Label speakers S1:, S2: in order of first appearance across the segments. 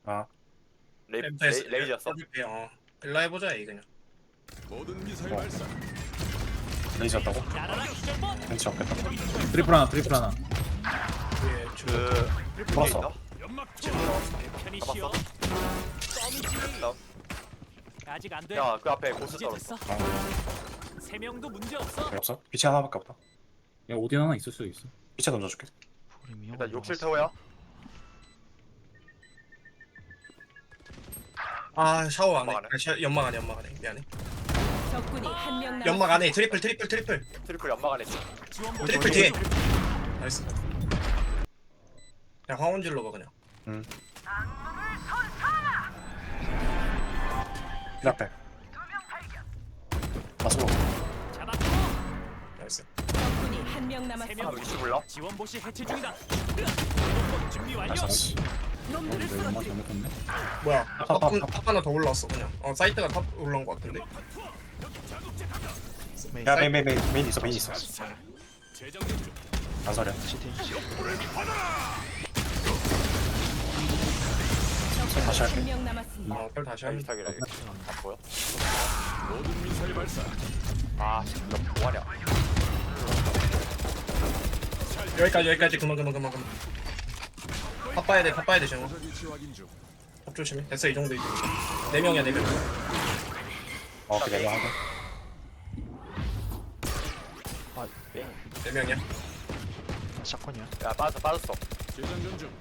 S1: 아,
S2: 레이저였어?
S3: 어 일라 해보자 이 그냥.
S4: 모든 미사일 발사.
S1: 레이저였다고? 벤치 없겠다.
S5: 트리플 하나 트리플 하나.
S3: 예,
S2: 그
S1: 풀었어.
S2: 있나?
S4: 연막
S6: 편히 쉬어.
S2: 잡았어?
S6: 아직 안 돼.
S2: 야, 그 앞에 고스
S6: 이제
S2: 떨었어.
S6: 됐어. 세 명도 문제 없어.
S1: 왜 없어? 빛이 하나밖에 없다.
S5: 야 오딘 하나 있을 수도 있어.
S1: 빛에 던져줄게.
S2: 일단 욕실 태워야.
S3: 아 샤워 안해.
S2: 연막 안에.
S3: 연막 안해 연막 안해. 미안해.
S7: 적군이 한 명 남았.
S3: 연막 안해. 트리플.
S2: 트리플 연막 안에 있어.
S6: 지원보
S3: 트리플 뒤에. 나이스. 그냥 황혼 질러봐 그냥.
S1: 빛 앞에. 마스로.
S6: 잡았고.
S3: 나이스.
S7: 적군이 한 명
S2: 아,
S7: 남았습니다.
S2: 위치 몰라?
S6: 지원보시 해체 중이다. 로봇 준비 완료.
S1: 나이스.
S7: 놈들을
S5: 내 엄마
S7: 쓰러뜨리.
S5: 잘못했네.
S3: 뭐야? 탑 하나 더 올라왔어 그냥. 사이트가 탑 올라온 거 같은데.
S1: 야, 메인 있어, 메인 있어.
S4: 재정전 중.
S1: 안 서려. 다시 할게.
S7: 한 명 남았습니다.
S3: 별 다시 하면.
S2: 비슷하기라 이거. 안 보여?
S4: 모든 미사일 발사.
S2: 아, 너 뭐하냐?
S3: 여기까지 그만. 탑 봐야 돼 지금.
S4: 적 위치 확인 중.
S3: 탑 조심해. 됐어 이 정도 이제. 4명이야 4명.
S1: 그래, 이거 하고.
S3: 4명이야.
S2: 야, 빠졌어.
S4: 재정전 중.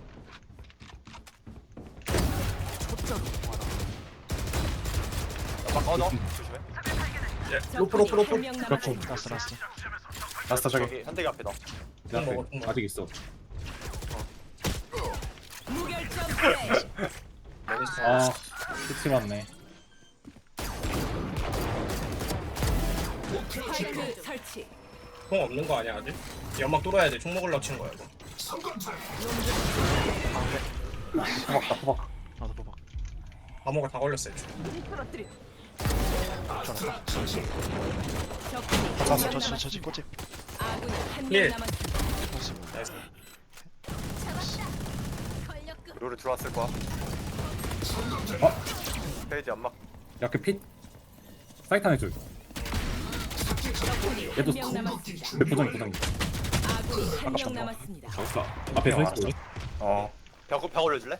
S2: 연막 꺼져. 조심해.
S3: 로프.
S7: 한 명 남았습니다.
S1: 라스트 저기.
S2: 저기 현대기 앞에 너.
S5: 내 앞에
S3: 먹어.
S5: 아직 있어.
S7: 무결점 플레이.
S5: 아 끝이 맞네.
S7: 스파이크 설치.
S3: 총 없는 거 아니야 아직? 연막 뚫어야 돼. 총 먹으려고 친 거야 이거.
S1: 호박.
S3: 암호가 다 걸렸어 애초에.
S7: 적군이 한 명 남았습니다. 아군이 한
S3: 예.
S7: 명 남았습니다.
S3: 나이스.
S2: 룰을 들어왔을 거야. 페이지 연막.
S5: 야그 핏. 사이트 하나 줄.
S7: 적군이
S5: 얘도
S7: 한 명 남았습니다.
S5: 내 포장이.
S7: 아군이 한 명 남았습니다.
S5: 잘했어. 앞에 서 있어.
S2: 벽 올려줄래?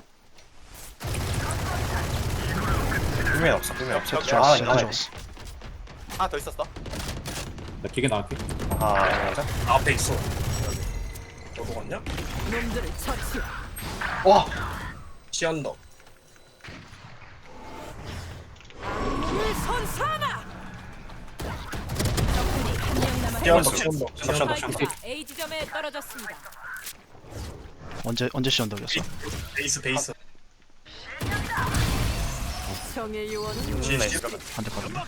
S1: 뚜면 없어.
S2: 벽
S1: 아, 이거 하나.
S2: 하나 더 있었어.
S5: 나 기계 나갈게.
S1: 아, 맞아?
S3: 앞에 있어. 너도 갔냐?
S7: 놈들을 처치.
S3: 시언더.
S7: 물 선사나. 적군이 한 명 남았습니다.
S3: 시언더.
S7: 스파이크가 A 지점에 떨어졌습니다.
S8: 언제 시언덕이었어?
S3: 베이스.
S7: 정의 요원은
S2: 네, 이러면.
S8: 안 됐거든.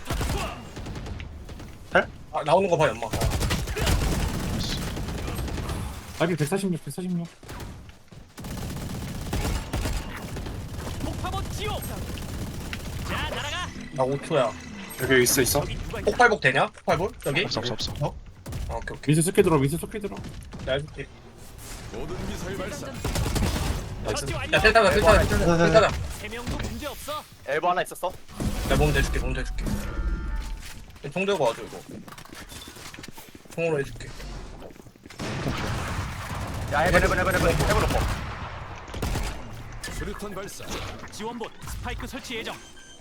S3: 아 나오는 거 봐 연막.
S5: 아비 146.
S6: 폭파봇 지옥. 자 날아가.
S3: 나 5초야.
S1: 여기 있어.
S3: 폭발복 되냐? 폭발복? 여기?
S8: 없어.
S3: 아 오케이.
S5: 위스 스킬 들어.
S3: 나 해줄게.
S4: 모든 미사일 발사.
S6: 처치 완료.
S3: 야 텔타다.
S6: 세 명도 문제 없어.
S2: 엘보 하나 있었어.
S3: 내 몸 대줄게. 총 들고 와줘 이거. 총으로 해줄게.
S2: 야, 해븐 놓고.
S4: 수류탄 발사.
S6: 지원봇 스파이크 설치 예정.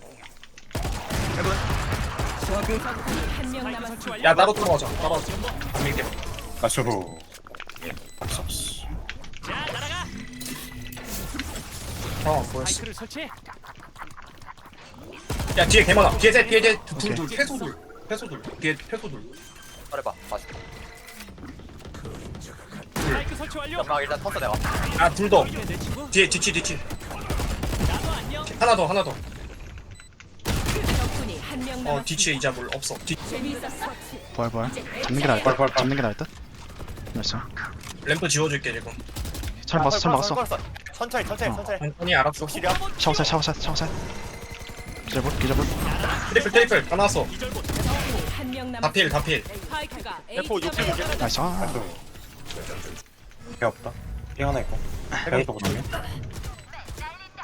S7: 적군이 한 명
S6: 스파이크
S7: 남았습니다.
S6: 설치 완료.
S3: 야 나도 들어가자. 안 밀게.
S1: 마쇼.
S6: 자 날아가.
S3: 안 보였어.
S6: 스파이크를 설치해.
S3: 야 뒤에 개 많아. 뒤에 둘 패소둘. 뒤에 패소둘.
S2: 말해봐. 맞아.
S6: 스파이크 설치 완료.
S2: 연막 일단 텄어 내가.
S3: 아 둘 더.
S6: 내 친구.
S3: 뒤에 뒤치.
S6: 나도 안녕.
S3: 하나 더.
S7: 적군이 한 명 남았습니다.
S3: 뒤치에 이자물 없어.
S7: 재미있었어?
S8: 부활. 잡는 게 나을 듯. 잡는 게 나을 듯. 나이스.
S3: 램프 지워줄게 지금.
S8: 잘 막았어.
S2: 천천히.
S3: 천천히 알았어.
S2: 욕실이야?
S8: 샤워살. 기절볼.
S3: 트리플 다 나왔어.
S6: 기절봇.
S7: 적군이 한 명 남았습니다.
S3: 다 필.
S7: 스파이크가 A
S2: 대포
S7: 지점에
S2: 욕실.
S7: 떨어졌습니다.
S8: 나이스.
S1: 배 없다. 배 하나 있고. 배부터 보자.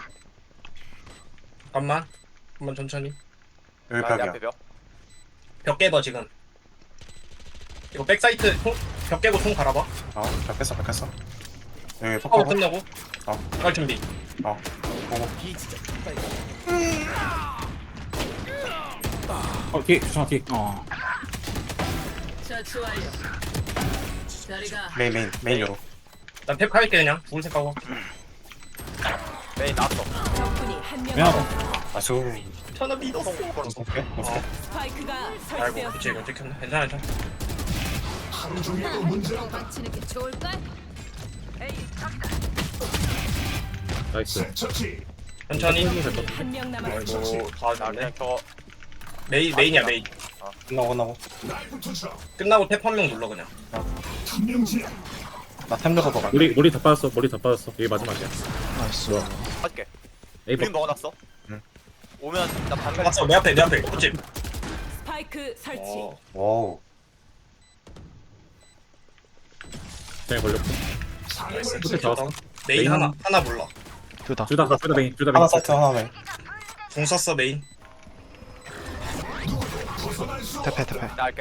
S3: 잠깐만 천천히.
S1: 여기
S2: 내
S1: 벽이야.
S2: 앞에 벽.
S3: 벽 깨봐 지금. 이거 백사이트 벽 깨고 총 갈아봐.
S1: 벽 깼어, 벽 깼어. 여기
S3: 파워
S1: 폭파고.
S3: 끝나고. 갈 준비.
S1: 보고.
S5: 뒤에 주창아 뒤에.
S7: 처치 완료. 자리가
S1: 메인 요로.
S3: 난 탭 할게 그냥. 죽을 생각하고.
S2: 메인 나왔어.
S7: 적군이 한 명
S5: 미안하다.
S7: 남았습니다.
S1: 아수.
S3: 천하 믿었어.
S1: 오케이. 오케이.
S7: 스파이크가
S3: 아이고 그치
S7: 설치되었습니다.
S3: 이거 찍혔네. 괜찮아.
S7: 치는 게 좋을걸?
S5: 나이스.
S3: 천천히.
S7: 한 명 남았습니다.
S3: 아이고 다
S2: 나
S3: 왔네.
S2: 그냥 저거
S3: 메인이야 메인.
S1: 끝나고.
S3: 끝나고 탭 한 명 눌러 그냥.
S1: 나 템들어도 갈.
S5: 머리 다 빠졌어. 머리 다 빠졌어. 이게 마지막이야.
S8: 나이스.
S2: 할게.
S5: 에이
S2: 그림 먹어놨어.
S1: 응.
S2: 오면 나 방금
S3: 맞어 내 앞에. 그치.
S7: 스파이크 설치.
S1: 와우.
S5: 잘 걸렸고.
S3: 나이스.
S5: 끝에 잡았어.
S3: 메인
S5: 메인
S3: 하나 몰라.
S8: 둘다.
S5: 둘다 메인. 둘다
S1: 하나
S5: 메인.
S1: 사이트 하나 메인.
S3: 공 썼어 메인.
S8: 태페.
S2: 나 할게.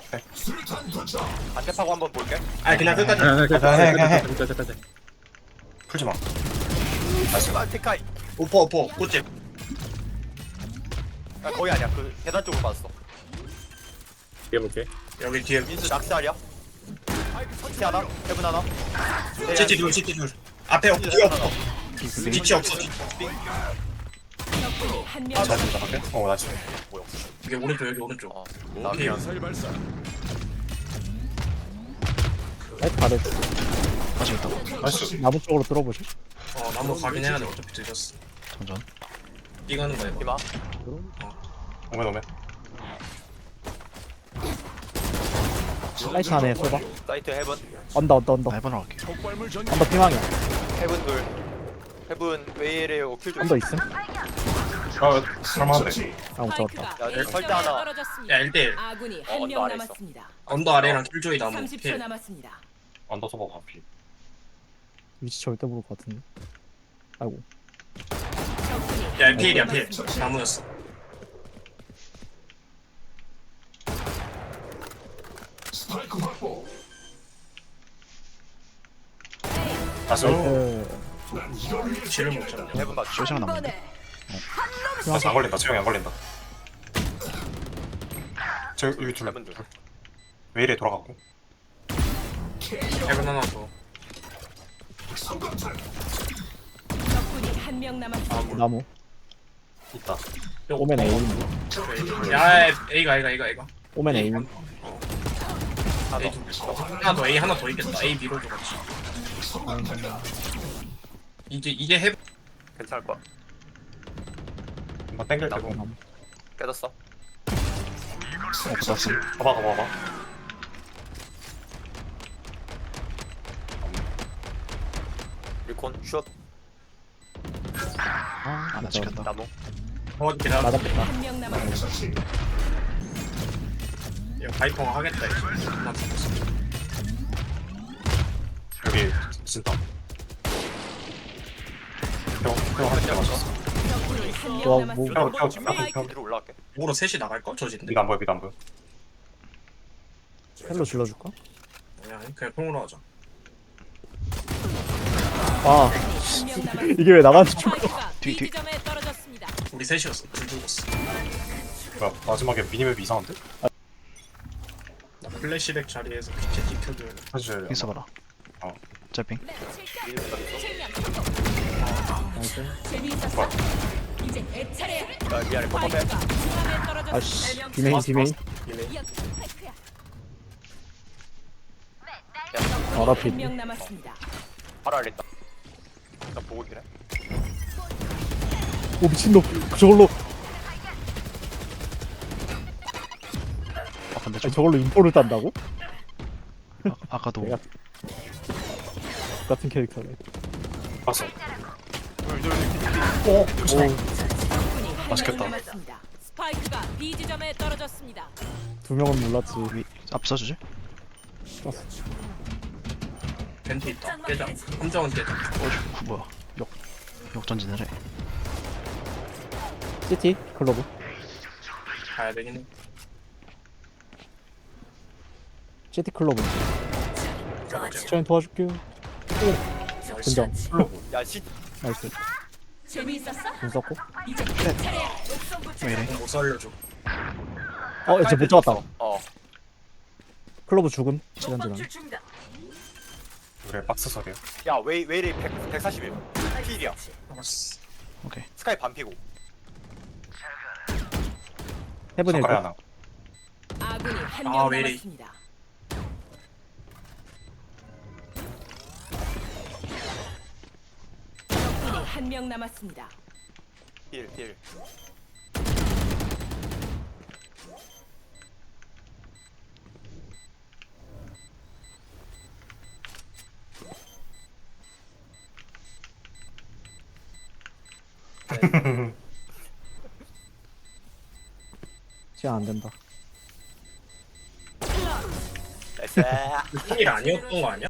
S2: 안태파고 한번 볼게.
S3: 아 그냥 끝까지.
S1: 해.
S5: 끝까지.
S1: 풀지 마.
S2: 테카이.
S3: 오퍼 꽃집.
S2: 거의 아니야. 그 계단 쪽으로 봤어.
S5: 뒤에 볼게.
S3: 여기 뒤에
S2: 민수 낙살이야. 시티 하나, 헤븐 하나.
S3: CT 둘. 앞에 없. 뒤에 없어. 뒤치 없어.
S7: 적군이 한 명
S1: 잘
S7: 남았습니다.
S1: 된다. 나 지금.
S3: 여기 오른쪽 여기 오른쪽.
S2: 나
S4: 모든 미사일 발사.
S8: 아직 있다고.
S1: 나이스.
S5: 나무 쪽으로 뚫어보시.
S3: 나무 가긴 해야 돼. 어차피 늦었어.
S8: 전전.
S3: 이거는 거야 이거.
S2: 이마.
S1: 오면.
S5: 사이트 안에 쏘봐.
S2: 사이트 헤븐.
S5: 언더.
S8: 나 해보러 갈게.
S4: 폭발물 전개.
S5: 언더 피망이야.
S2: 헤븐 둘. 헤븐 웨이레오 킬 좀.
S5: 언더 있음?
S1: 설마한데.
S5: 아, 못 잡았다.
S7: 스파이크가
S2: 야,
S7: A
S2: 설대
S7: 지점에
S2: 하나.
S7: 떨어졌습니다.
S3: 야 1대1.
S7: 아군이
S2: 언더
S7: 한 명
S2: 아래 있어.
S7: 남았습니다.
S3: 언더 아래랑 킬조이 나무.
S7: 30초
S3: 필.
S7: 남았습니다.
S1: 언더 서버 가피.
S5: 위치 절대 모를 것 같은데. 아이고.
S7: 적군이
S3: 야 필이야 필. 나무였어.
S1: 아수.
S3: 지를 못 잡네.
S2: 헤븐 맞.
S8: 쇼시랑 남는데.
S1: 아직 안 걸린다. 지영이 안 걸린다. 저 여기 둘.
S2: 헤븐 둘.
S1: 왜 이래 돌아가고?
S3: 해븐 하나 더.
S7: 적군이 한 명 남았습니다.
S5: 나무.
S1: 있다.
S5: 오멘 A.
S3: 야 A가.
S5: 오멘 A.
S3: A 하나 더 A 하나 더 있겠다. A 밀어줘 같이. 이제 해.
S2: 괜찮을 거야.
S1: 한번 땡길
S2: 나무.
S1: 때고.
S2: 깨졌어.
S8: 붙었음.
S1: 봐봐.
S2: 리콘 슛.
S8: 안 지켰다.
S2: 나무.
S3: 기다려.
S5: 맞았겠다.
S7: 한 명 남았습니다.
S3: 이거 바이퍼가 하겠다 이거. 나 죽었어.
S1: 여기 진짜. 형 한대 맞았어.
S7: 적군이 한
S5: 와,
S7: 명 남았습니다.
S1: 형,
S7: 스파이크
S1: 형.
S2: 위로 올라갈게.
S3: 목으로 셋이 나갈까? 저진데.
S1: 미드 안 보여.
S5: 헬로 질러줄까?
S3: 그냥 통으로 하자.
S5: 아,
S7: 한 명 남았습니다.
S5: 이게 왜 나만 죽어?
S7: 스파이크가
S8: 뒤.
S7: B 지점에 떨어졌습니다.
S3: 우리 셋이었어. 둘 죽었어.
S1: 뭐야, 마지막에 미니맵 이상한데?
S3: 나 플래시백 자리에서 빛에 지켜줘야 돼.
S1: 사실
S8: 핑 써봐라.
S1: 어.
S8: 짤핑.
S7: 재미있었어. 이제 내 차례야.
S2: 야, 미안해. 뻔뻔해.
S7: 스파이크가 중앙에 떨어졌습니다.
S5: 아씨. 비메인. 알아 피.
S7: 한 명 남았습니다.
S2: 바로 알겠다. 나 보고 있긴 해.
S5: 오 미친놈. 저걸로.
S8: 근데
S5: 아니,
S8: 좀
S5: 저걸로 인포를 딴다고?
S8: 아까도
S5: 내가 같은 캐릭터네.
S1: 봤어.
S5: 오.
S7: 적군이 한
S1: 맛있겠다.
S7: 명 남았습니다. 스파이크가 B 지점에 떨어졌습니다.
S5: 두 명은 몰랐지.
S8: 앞서주지?
S3: 벤트 있다. 깨자. 함정은 깨자.
S8: 뭐야? 역전진을 해.
S5: CT 클로브.
S3: 가야 되긴 해.
S5: CT 클로브. 저희 도와줄게요. 근정.
S2: 야 시.
S5: 나이스.
S7: 재미있었어?
S5: 공 썼고.
S7: 이제 차례야.
S8: 왜 이래?
S3: 못 살려줘.
S5: 이제 못 잡았다.
S2: 어.
S5: 클로브 죽음. 시간지랑.
S1: 그래 박스 소리야.
S2: 야 웨이레 141. 필이야.
S3: 알았어.
S8: 오케이.
S2: 스카이 반피고.
S5: 헤븐
S1: 손가락
S5: 1번.
S1: 하나.
S7: 아군이 한
S3: 아,
S7: 명
S3: 왜 이래.
S7: 남았습니다. 적군이 한 명 남았습니다.
S2: 힐.
S5: 시간 안 된다.
S2: 나이스.
S3: 힐 아니었던 거 아니야?